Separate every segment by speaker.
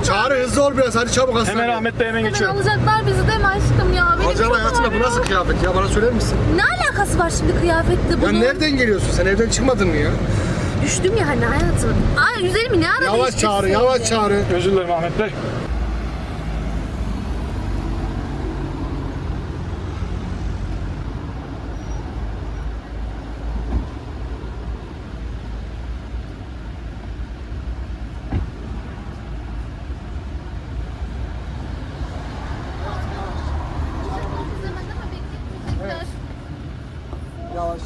Speaker 1: Çağrı hızlı ol biraz, hadi çabuk hastaneye.
Speaker 2: Hemen Ahmet Bey hemen geçiyorum.
Speaker 3: Alacaklar bizi değil mi aşkım ya? Benim
Speaker 1: Hocam
Speaker 3: çok
Speaker 1: hayatında bu
Speaker 3: ağrıyor.
Speaker 1: nasıl kıyafet ya, bana söyler misin?
Speaker 3: Ne alakası var şimdi kıyafetle
Speaker 1: Ya
Speaker 3: bunun?
Speaker 1: nereden geliyorsun sen, evden çıkmadın mı ya?
Speaker 3: Düştüm ya hani hayatım. Ay üzerimi ne ara
Speaker 1: Yavaş
Speaker 3: değiştirsin?
Speaker 1: Çağrı, yavaş Çağrı.
Speaker 2: Özür dilerim Ahmet Bey.
Speaker 1: Yavaş.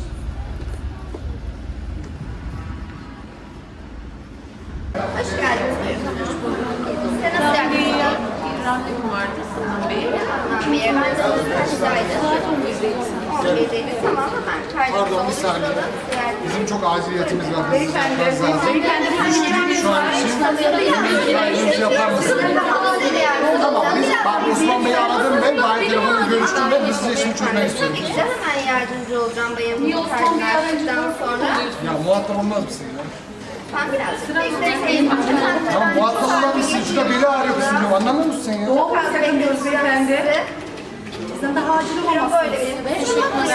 Speaker 4: Hoş geldiniz. Sen nasıl yardımcı olalım?
Speaker 5: Randevum vardı Sinan Bey.
Speaker 4: Tamam, bir yere ben de kaçtaydı? 11'deydi. Tamam, hemen kaydımızı
Speaker 1: Pardon, bir saniye.
Speaker 4: oluşturalım.
Speaker 1: Bizim çok aciliyetimiz var.
Speaker 5: Beyefendi, beyefendi
Speaker 1: Şu an için yapar mısın? Tamam, biz Osman Bey'i aradım ben, Bayan telefonla görüştüm ben, biz size şimdi çözmek istiyorum.
Speaker 4: Tabii ki de hemen yardımcı olacağım bayanımın kaydını açtıktan sonra.
Speaker 1: Ya muhatap olmaz mısın ya?
Speaker 4: Ben birazcık bekleyin.
Speaker 1: Ya muhatap olmaz mısın? Şurada beli ağrıyor kızım diyorum, anlamıyor musun sen ya?
Speaker 4: Çok az bekliyoruz beyefendi.
Speaker 5: Sizin daha acil olmaması.
Speaker 4: Böyle bir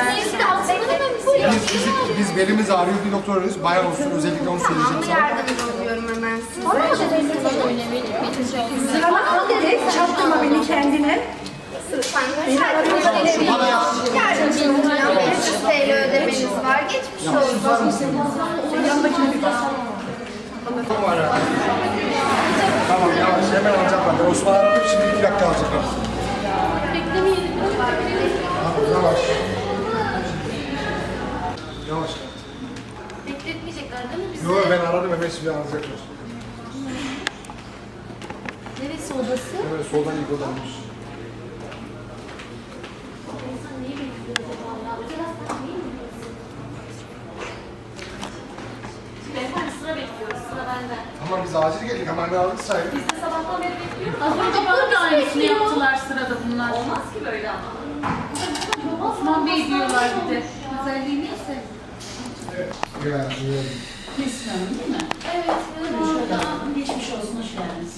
Speaker 1: Biz belimiz ağrıyor, bir doktor arıyoruz, bayan olsun, özellikle onu söyleyeceğim sana.
Speaker 4: yardımcı oluyorum hemen size.
Speaker 5: Sırama al dedi. Çarptırma beni kendine.
Speaker 1: Bana yap.
Speaker 4: Yardımcı olacağım. 500 TL ödemeniz var. Geçmiş olsun.
Speaker 5: Yanındakine bir bak.
Speaker 1: Tamam yavaş, hemen alacaklar. Ben Osman'ı aradım, şimdi 2 dakika alacaklar. Tamam, yavaş. Yavaş.
Speaker 3: Bekletmeyecekler değil mi bizi?
Speaker 1: Yok ben aradım, hemen şimdi alacaklar.
Speaker 3: Neresi odası?
Speaker 1: Hemen soldan ilk odaymış.
Speaker 3: Beyefendi sıra bekliyoruz. Sıra bende.
Speaker 1: Tamam biz acil geldik, hemen ne aldık sayın.
Speaker 3: Biz de sabahtan beri bekliyoruz.
Speaker 5: Az önce bana da aynısını yaptılar sırada bunlar. Olmaz ki böyle ama. Osman Bey diyorlar bir de. Özelliği neyse.
Speaker 1: Ya,
Speaker 5: Nesrin Hanım değil mi?
Speaker 3: Evet.
Speaker 5: Şöyle geçmiş olsun, hoş geldiniz.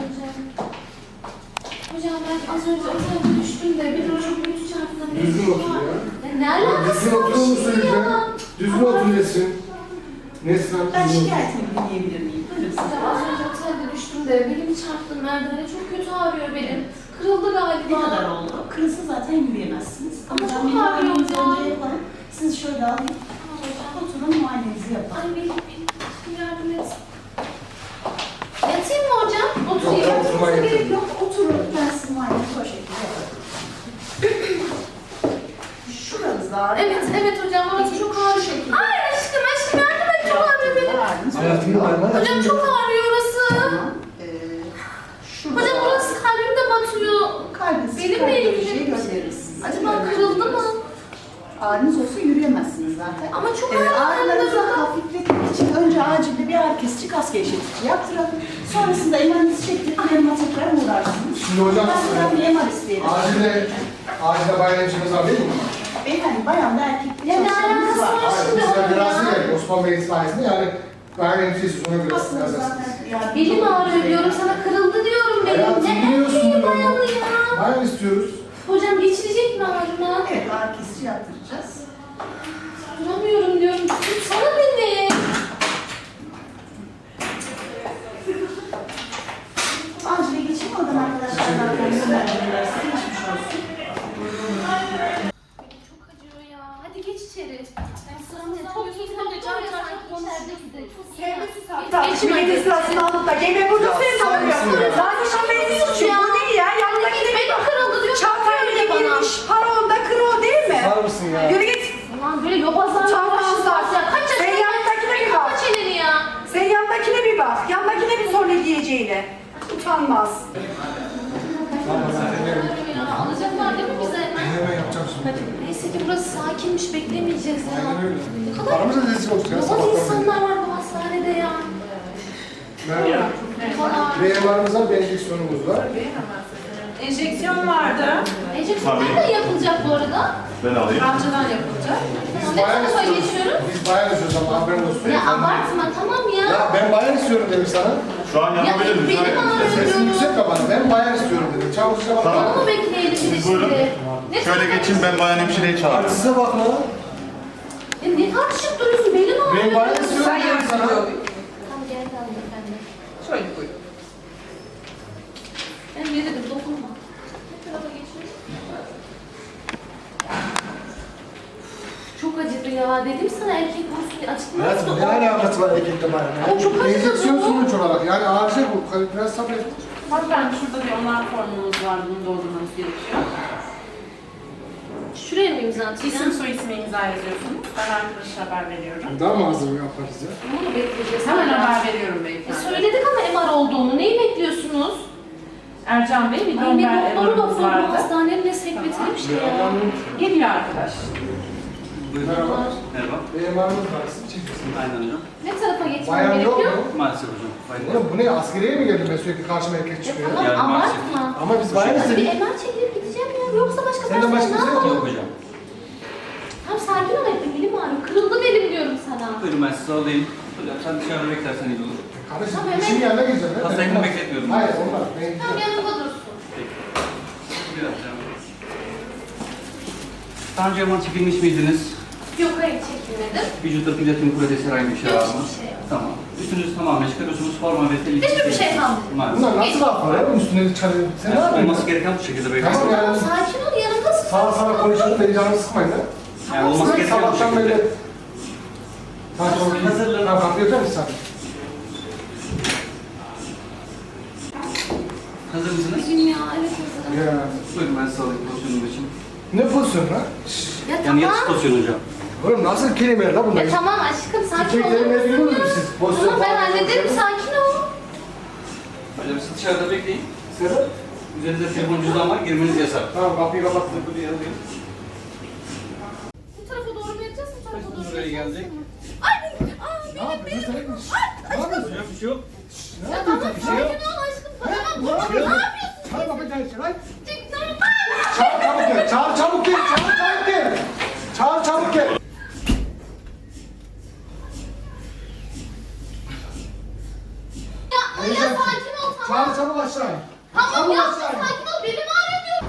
Speaker 3: Hocam ben az önce otelde düştüm de bir çok kötü çarptım.
Speaker 1: Düzgün otur ya.
Speaker 3: Ne alakası
Speaker 1: Düzgün
Speaker 3: var
Speaker 1: oturur musun
Speaker 3: şimdi
Speaker 1: lütfen?
Speaker 3: ya?
Speaker 1: Düzgün otur Nesrin. Nesrin
Speaker 5: Ben
Speaker 1: Hanım, düzgün otur.
Speaker 5: şikayetimi dinleyebilir miyim? Buyurun siz.
Speaker 3: Hocam az önce otelde düştüm de belimi çarptım merdivene. Çok kötü ağrıyor benim. Kırıldı
Speaker 5: Ne
Speaker 3: galiba.
Speaker 5: kadar oldu? Kırılsa zaten yürüyemezsiniz.
Speaker 3: Ama
Speaker 5: ben
Speaker 3: çok
Speaker 5: bir
Speaker 3: ağrıyor
Speaker 5: muayenenizi
Speaker 3: ya.
Speaker 5: önce yapalım. Siz şöyle alayım. Oturun, muayenenizi yapalım.
Speaker 3: Ay benim yardım et. Yatayım mı hocam? Oturayım.
Speaker 1: Yok, oturmaya
Speaker 5: Gerek
Speaker 1: yeter.
Speaker 5: yok, oturun. Ben sizin muayenenizi o şekilde yaparım. Şuranız da ağrıyor.
Speaker 3: Evet, evet hocam. Orası çok ağrıyor. Ay aşkım yardım et. Çok ağrıyor benim.
Speaker 1: Hayatımda ağrıma.
Speaker 3: Hocam çok ağrıyor orası.
Speaker 5: Şurada
Speaker 3: Hocam orası kalbimde batıyor.
Speaker 5: kalbiniz
Speaker 3: Benimle ilgili
Speaker 5: şey
Speaker 3: bir
Speaker 5: göndeririz.
Speaker 3: Acaba kırıldı mı?
Speaker 5: Ağrınız olsa yürüyemezsiniz zaten.
Speaker 3: Ama çok
Speaker 5: Ağrılarınızı
Speaker 3: ağrıyor.
Speaker 5: hafifletmek için önce acilde bir ağrı kesici, kas gevşetici yaptıralım. Sonrasında emanınızı çektirip yanıma tekrar uğrarsınız.
Speaker 1: Şimdi hocam,
Speaker 5: Ben sizden bir eman isteyelim.
Speaker 1: acilde bayan hemşiremiz var değil mi?
Speaker 5: Beyefendi, bayan da erkek bir
Speaker 3: Ya ne
Speaker 5: çalışanımız
Speaker 3: alakası var?
Speaker 1: Hayır, biz de biraz geldik Osman Bey'in sayesinde, yani bayan hemşiresi ona göre
Speaker 5: Aslında
Speaker 1: biraz
Speaker 5: zaten yani
Speaker 3: Belim ağrıyor diyorum sana, kırıldı diyorum benim.
Speaker 1: Hayatım
Speaker 3: Ne
Speaker 1: biliyorsun
Speaker 3: erkeği
Speaker 1: bunu.
Speaker 3: bayanı ya?
Speaker 1: Bayan istiyoruz.
Speaker 3: Hocam geçirecek mi ağrıma?
Speaker 5: Evet, ağrı kesici yaptıracağız.
Speaker 3: Duramıyorum diyorum. Tutsana beni.
Speaker 5: Acile geçeyim, oradan arkadaşlardan gönderdiler. Size geçmiş olsun.
Speaker 3: Çok acıyor ya. Hadi geç içeri. Çok iyi doktor ya sanki içeride de. Çok iyi. Geçin
Speaker 6: Milletin sırasını alıp da gene burada seni soruyor. Zaten şoförün suçu bu değil ya. Yanındaki de
Speaker 3: Benim kırıldı diyor.
Speaker 6: çantaya bile
Speaker 3: bana.
Speaker 6: girmiş. Para onda kır o değil mi?
Speaker 1: Var mısın ya?
Speaker 6: Yürü git.
Speaker 3: Aman böyle yobazlar
Speaker 6: Utanmazlar.
Speaker 3: ya. Kaç yaşında?
Speaker 6: Sen yanındakine bir bak.
Speaker 3: Kaç elini ya?
Speaker 6: Sen yanındakine bir bak. Yanındakine bir sor ne diyeceğine. Utanmaz.
Speaker 3: Alacaklar değil mi bize?
Speaker 1: Hemen yapacağım şimdi.
Speaker 3: Neyse ki burası sakinmiş, beklemeyeceğiz ya.
Speaker 1: Aynen öyle.
Speaker 3: Ne kadar
Speaker 1: Paramız da rezil olsun ya
Speaker 3: yobaz
Speaker 1: sabahtan beri.
Speaker 3: insanlar var bu hastanede ya.
Speaker 1: Merhaba. Reyvarımız var, bir enjeksiyonumuz var.
Speaker 6: Enjeksiyon vardı.
Speaker 3: Enjeksiyon nereden yapılacak bu arada?
Speaker 7: Ben alayım.
Speaker 6: Amcadan yapılacak.
Speaker 1: Biz
Speaker 3: Ne
Speaker 1: bayan
Speaker 3: tarafa
Speaker 1: istiyoruz.
Speaker 3: geçiyorum?
Speaker 1: Biz bayan istiyoruz ama haberin olsun.
Speaker 3: Ya abartma tamam ya.
Speaker 1: Ya ben bayan istiyorum dedim sana.
Speaker 2: Şu an yapabilir miyiz?
Speaker 3: Benim ağrıyor
Speaker 1: Sesin
Speaker 3: diyorum.
Speaker 1: yüksek kapanı. Ben bayan istiyorum dedi. Çavuşa bak.
Speaker 2: Tamam.
Speaker 3: Onu bekleyelim bir de
Speaker 2: Buyurun.
Speaker 3: şimdi. Ne
Speaker 2: Şöyle
Speaker 3: tartışıyorsun?
Speaker 2: geçin, ben bayan hemşireyi çağırırım.
Speaker 1: Size bak lan.
Speaker 3: Ya ne tartışıp duruyorsun? Benim ağrıyor.
Speaker 1: Ben bayan istiyorum
Speaker 6: Sen
Speaker 1: dedim sana.
Speaker 6: yardımcı olayım.
Speaker 3: Tamam gel efendim.
Speaker 6: Şöyle buyurun.
Speaker 3: Ben ne dedim? Dokunma. Ne tarafa geçiyorum? Çok acıdı ya. Dedim sana erkek vursun diye açıklamazsın.
Speaker 1: Hayatım ne alakası var erkekle bayan?
Speaker 3: O çok acıdı
Speaker 1: Enjeksiyon
Speaker 3: bu.
Speaker 1: sonuç olarak. Yani acil bu. Biraz sabret.
Speaker 5: Hanımefendi şurada bir onay formumuz var. Bunu doldurmanız gerekiyor.
Speaker 3: Şuraya mı imza atacağım?
Speaker 5: İsim soy ismi imza yazıyorsunuz. Ben arkadaşa haber veriyorum.
Speaker 1: Daha mı hazır yaparız ya?
Speaker 3: Bunu mu bekleyeceğiz?
Speaker 5: Hemen
Speaker 3: hala?
Speaker 5: haber veriyorum beyefendi.
Speaker 3: Söyledik ama MR olduğunu. Neyi bekliyorsunuz?
Speaker 5: Ercan Bey, bir
Speaker 3: Ay bir
Speaker 5: Domber
Speaker 3: doktoru
Speaker 5: emrimiz
Speaker 3: doktor bu
Speaker 5: vardı.
Speaker 3: hastanenin ne sekreteri bir şey ya.
Speaker 5: Geliyor arkadaş.
Speaker 1: Merhaba.
Speaker 7: Merhaba.
Speaker 1: Benim varımız var. Siz çekilsiniz.
Speaker 7: Aynen hocam.
Speaker 3: Ne tarafa geçmem
Speaker 1: Bayan yok
Speaker 3: gerekiyor?
Speaker 1: mu?
Speaker 7: Maalesef hocam. Hayır.
Speaker 1: Oğlum bu ne? Askeriye mi geldim ben sürekli karşıma erkek çıkıyor?
Speaker 3: Tamam
Speaker 7: Yani maalesef.
Speaker 3: abartma.
Speaker 1: Ama biz bayan
Speaker 3: Bir
Speaker 1: istedik.
Speaker 3: MR çekilip gideceğim ya. Yoksa başka
Speaker 1: Senden
Speaker 3: personel
Speaker 1: başka
Speaker 3: ne
Speaker 1: bir şey yok
Speaker 3: yapalım?
Speaker 7: Yok hocam.
Speaker 3: Tamam sakin ol hep. Belim ağrıyor. Kırıldı belim diyorum sana.
Speaker 7: Buyurun ben sizi alayım. Hocam sen dışarıda beklersen iyi olur.
Speaker 1: Kardeşim
Speaker 3: Tamam,
Speaker 1: işin
Speaker 3: hemen-
Speaker 1: yanına gireceğim. ben.
Speaker 7: Hastayı
Speaker 1: Olmaz.
Speaker 7: bekletmiyorum.
Speaker 1: Hayır olmaz. Ben
Speaker 3: Tamam
Speaker 1: gideceğim.
Speaker 3: yanımda dursun.
Speaker 7: Biraz canım. Daha önce yaman çekilmiş miydiniz?
Speaker 3: Yok hayır çekilmedim.
Speaker 7: Vücutta platin kuretesi herhangi bir şey
Speaker 3: Yok,
Speaker 7: var mı?
Speaker 3: hiçbir şey yok.
Speaker 7: Tamam. Üstünüzü tamamen çıkarıyorsunuz. Forma ve telik.
Speaker 3: Hiçbir şey kalmadı.
Speaker 7: Maalesef.
Speaker 1: Bunlar nasıl laflar ya? Üstüne çalıyor. Sen ne
Speaker 7: Yani
Speaker 1: yapıyorsun?
Speaker 7: olması gereken bu şekilde beyefendi.
Speaker 1: Tamam
Speaker 3: Tamam
Speaker 1: yani.
Speaker 3: sakin ol yanımdasın.
Speaker 1: Sana konuşalım. Beni canımı sıkmayın ha.
Speaker 7: Yani olması
Speaker 1: Sen
Speaker 7: gereken bu
Speaker 1: sabahtan
Speaker 7: şekilde.
Speaker 1: böyle... Tamam çok iyi.
Speaker 7: Hazırlanın.
Speaker 1: Tamam kapıyı mısın sen?
Speaker 7: Hazır mısınız?
Speaker 3: Bugün ya evet hazırım.
Speaker 1: Ya.
Speaker 7: Buyurun ben sizi alayım pozisyonum için.
Speaker 1: Ne pozisyon lan?
Speaker 3: Ya
Speaker 7: Yani
Speaker 3: tamam.
Speaker 7: yatış pozisyonu hocam.
Speaker 1: Oğlum nasıl kelimeler lan bunlar?
Speaker 3: Ya tamam aşkım sakin ol.
Speaker 1: Kelimeleri biliyor musunuz siz? Pozisyon
Speaker 3: Tamam ben
Speaker 1: falan
Speaker 3: hallederim
Speaker 1: konuşuyoruz.
Speaker 3: sakin ol.
Speaker 7: Hocam siz dışarıda bekleyin.
Speaker 1: Sebep?
Speaker 7: Üzerinizde telefon cüzdan var. Girmeniz yasak.
Speaker 1: Tamam kapıyı kapattım.
Speaker 7: Buraya alayım.
Speaker 3: Bu tarafa doğru mu yapacağız? Bu tarafa doğru mu
Speaker 7: Buraya
Speaker 3: yapacağız?
Speaker 7: geldik.
Speaker 3: Ay benim. Aa
Speaker 1: Ne yapıyorsun? Ne yapıyorsun?
Speaker 7: Hocam bir şey yok.
Speaker 3: ya tamam sakin ol aşkım. Tamam
Speaker 1: Ne
Speaker 3: dur.
Speaker 1: yapıyorsun?
Speaker 3: Ne yapıyorsun?
Speaker 1: Çağır kapıyı çağır.
Speaker 3: Tamam.
Speaker 1: Çağır çabuk gel. Çağır çabuk gel. Çağır çabuk gel. Çağır çabuk gel.
Speaker 3: Ya sakin ol tamam.
Speaker 1: Çağır çabuk aşağı in.
Speaker 3: Tamam
Speaker 1: Çabuk
Speaker 3: ya
Speaker 1: aşağı in.
Speaker 3: sakin ol benim ağrıyor diyorum.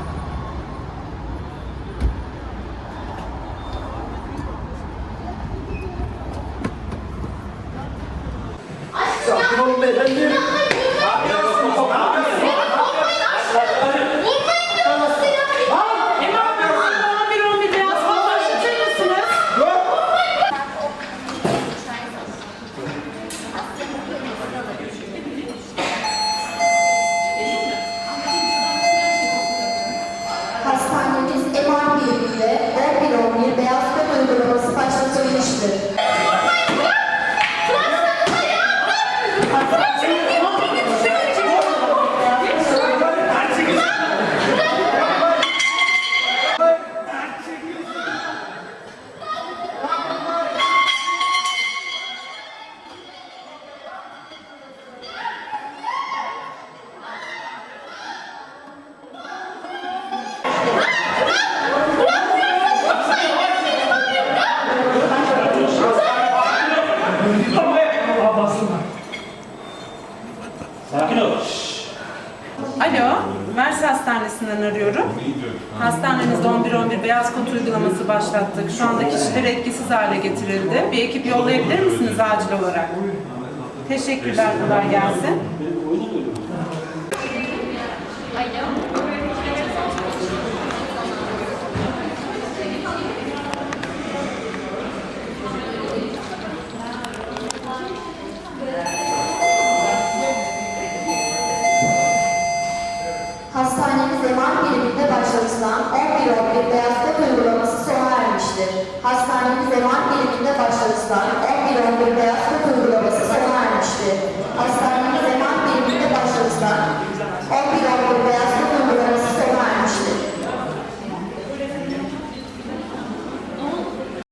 Speaker 3: Aşkım ya.
Speaker 1: Sakin olun beyefendi.
Speaker 3: Ya hayır vurmayın. Vurmayın aşkım. Vurmayın diyorum size ya.
Speaker 5: Hemen bir beyaz form başlatır mısınız?
Speaker 8: Hastanemiz MR biriminde 11-11 beyaz kod uygulaması başlatılmıştır.
Speaker 5: Alo, Mersi Hastanesi'nden arıyorum. Hastanemizde 11-11 beyaz kod uygulaması başlattık. Şu anda kişiler etkisiz hale getirildi. Bir ekip yollayabilir misiniz acil olarak? Teşekkürler, kolay gelsin.
Speaker 8: Hastanemiz MR biriminde başlatılan 11-11 beyaz kod uygulaması sona ermiştir. Hastanemiz MR biriminde başlatılan 11-11 beyaz kod uygulaması sona ermiştir. Hastanemiz MR biriminde başlatılan